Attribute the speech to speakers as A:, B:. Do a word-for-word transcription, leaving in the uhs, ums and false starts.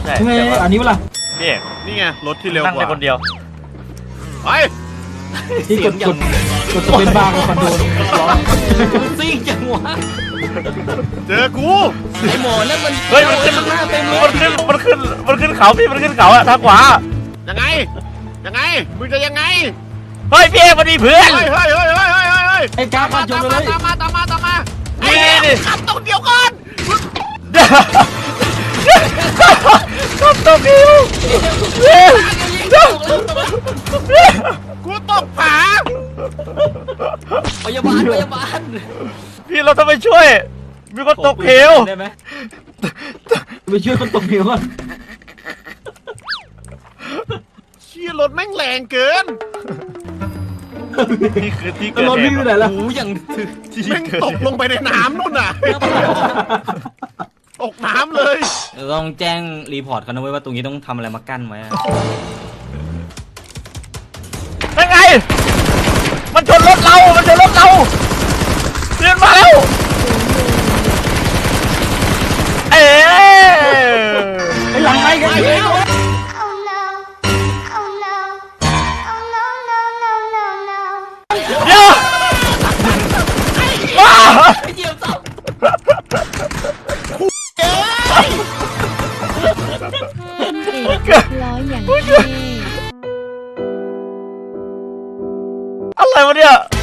A: ช่
B: ทำไมอันนี้วะล่ะ
A: นี่
C: นี่ไงรถที่เร็ว
A: นั่ง
C: ก
A: ได้
C: ว่า
A: คนเดียว
C: ไป
B: ที่กดกดกดสเปนบาร์กับคอนโดร้อง
D: ซิ่งจังวะ
C: เจอกู
D: ไอหมอนั่นมัน
A: เฮ้ยมันขึ้น
D: หน้าเต็มเล
A: มัน
D: ย
A: ขึ้นมันขึ้นมันขึ้นเขาพี่มันขึ้นเขาอะทางขวา
C: ยังไงยังไงมึงจะยังไง
A: เฮ้ยพี่เอกมาดีเพื่อน
C: เฮ้ยเฮ้ยเฮ้ยเฮ้ยเฮ้ยเฮ้ย
B: ไอ้กา
C: ตาม
B: ขั
C: มา
B: บช
C: ตาน ม
B: ไป
C: มา
B: เลย
C: ตามมาตามมาตามมา
A: นี่นี่นี่
C: ขับตรงเดียวก่อน
A: ขับตกหิว
C: กูตกผา
D: พยาบาลพยาบาล
A: พี่เราต้องไปช่วย มีคนตกเหว
D: ได้ไหม
B: ไปช่วยคนตกเหวก่อน
C: เชี่ยรถแม่งแรงเกิน
A: นี่คือที่
B: แล้
A: เกิ
B: ว
A: ด
B: รถ
A: เห
B: วิ่ง
A: ตุ
B: ไปไหนล่ะ
D: หูอย่างถึก
A: ที่
C: แม่ง
A: เกิด
C: ตก
A: เหตุ
C: ลงไปในน้ำนู่นน่ะตกน้ำเลย
D: ต้องแจ้งรีพอร์ตเขานะเว้ยว่าตรงนี้ต้องทำอะไรมากั้นไว้อะ
A: นั่นไง มันชนรถเรา มันชนรถเราเดินมาแล้วเอ๊ะ
B: ไอ้หลังไปกัน
C: ไปแล้ว
E: Oh no. Oh no. Oh no, no, no, no, no.
A: เดี๋ยวว้า
D: เหยียบซ้
E: ร้อยอย่างเท่
A: อะไรวะเนี่ย